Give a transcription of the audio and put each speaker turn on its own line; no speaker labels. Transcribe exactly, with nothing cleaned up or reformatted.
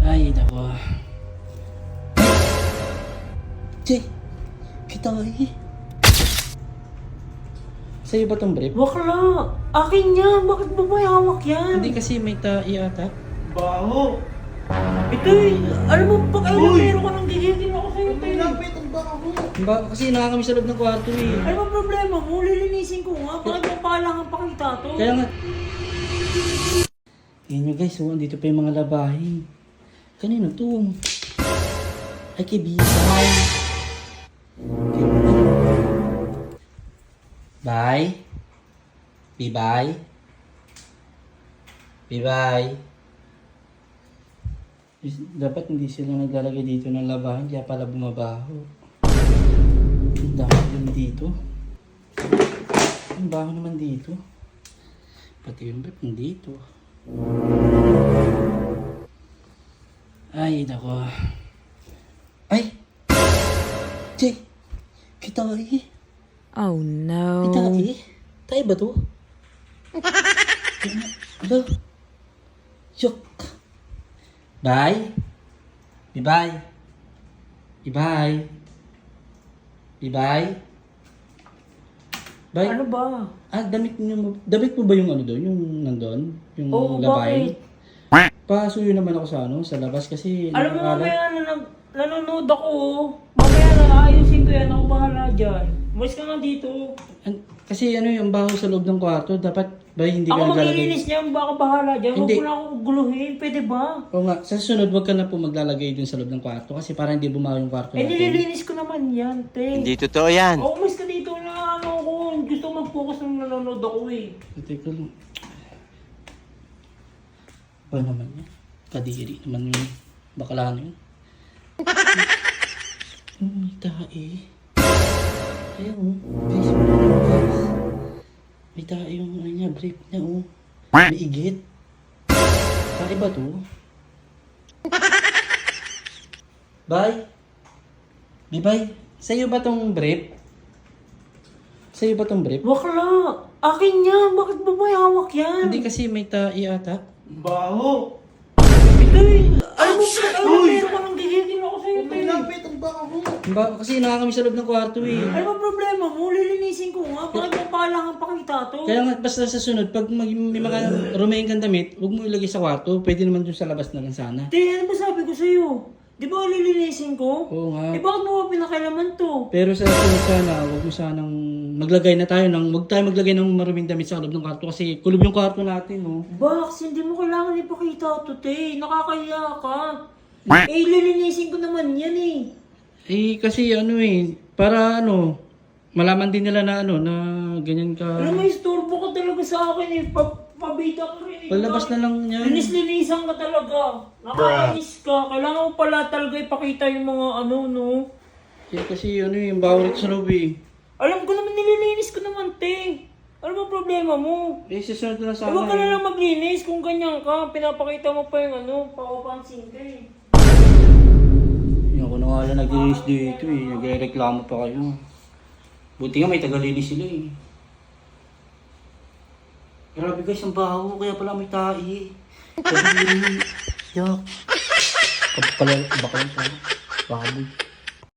Ay, nako. Che, kita eh. Sa'yo ba tong brief?
Bakla! Akin yan! Bakit ba may hawak yan?
Hindi kasi may tae ata.
Baho!
Ito eh! Alam mo, pag alam
Uy!
meron ka nang gigigil ako sa'yo, tayo.
Lapit ang baho!
Ba, kasi nakakami sa loob ng kwarto eh.
Ano ba problema mo? Lilinisin ko nga. Bakit mo palangan pakita to?
Kaya nga. Yan nyo guys, oh, andito pa yung mga labahin. Kanino to? Ay, kay Bisay. Bye. Bye-bye. Bye-bye. Dapat hindi sila naglalagay dito ng labahin, kaya pala bumabaho. Ang dami din dito. Ang baho naman dito. Pati yung brief dito. Ay, nako. Ay! Che! Kita eh.
Oh no.
Kita eh. Tayo ba to? Alo? Yok! Bye! Bye-bye! Bye-bye! Bye-bye! Bye!
Ano ba?
Ah, damit niyo, damit mo ba yung ano doon? Yung nandun? Yung
Oo,
labahin?
bakit?
Pasuyo naman ako sa ano, sa labas kasi...
Alam mo,
nakakala-
mamaya na nag, nanonood ako. oh. Mamaya na ayusin ko yan. Ako bahala dyan. Umalis ka nga dito.
An- kasi ano yung baho sa loob ng kwarto, dapat ba hindi ka
Ako
naglalagay?
maglilinis niyan. Baka bahala dyan. Huwag
Hindi.
mo na ako guluhin. Pwede ba?
Oo nga, sa susunod wag ka na po maglalagay dun sa loob ng kwarto kasi para hindi bumaho yung kwarto
Eh,
natin.
nililinis ko naman yan, te.
Hindi totoo yan.
Oo, umalis ka dito na ano ko. Gusto mag-focus nung nanonood ako eh.
Teka lang. Ba naman yan? Kadiri naman yun. Bakla na yun. Hmm, may tae. Ayun, oh. Guys, guys. May tae yung ano niya, brief niya, oh. May igit. Tae ba to? Bye. Bye-bye. Sa'yo ba tong brief? Sa'yo ba tong brief?
Bakla! Akin yan! Bakit ba may hawak yan?
Hindi kasi may tae ata.
Baho!
Ito eh! Alam mo, pag alam meron ka nang gigigil ako sa'yo, tayo.
Lapit ang baho!
Ba, kasi nakakami sa loob ng kwarto eh.
Ano ba problema mo? Lilinisin ko nga. Bakit mo palangan pakita to?
Kaya nga, basta sa sunod, pag mag, may mga rumain kang damit, huwag mo ilagay sa kwarto. Pwede naman dun sa labas na lang sana.
Te, ano ba sabi ko sa'yo? Di ba lilinisin ko?
Oo nga.
Eh bakit mo ba pinakailaman to?
Pero sa sunod sana, huwag mo sanang maglagay na tayo ng, huwag tayo maglagay ng maruming damit sa loob ng kwarto kasi kulob yung kwarto natin, no?
Bax, hindi mo kailangan ipakita to, te. Nakakaya ka. Eh, lilinisin ko naman yan eh.
Eh, kasi ano eh, para ano, malaman din nila na ano, na ganyan ka.
Alam mo, istorbo ka talaga sa akin eh. Pa pabida ka rin eh.
Palabas na lang yan.
Linis-linisan ka talaga. Nakakainis ka. Kailangan mo pala talaga ipakita yung mga ano, no?
Eh, kasi ano eh, yung bawal ito sa loob eh.
Alam ko naman, nililinis ko naman, te. Ano ba problema mo?
Eh, susunod na lang
Eh,
sana
huwag ka na
eh.
lang maglinis kung ganyan ka. Pinapakita mo pa yung ano, pakupansin ka eh.
Yung ako na nga lang naglinis dito eh. Nagre-reklamo pa kayo. Buti nga may tagalinis sila eh. Grabe guys, ang baho. Kaya pala may tae. Kadiri. Yak. Kapala, baka lang tayo. Baboy.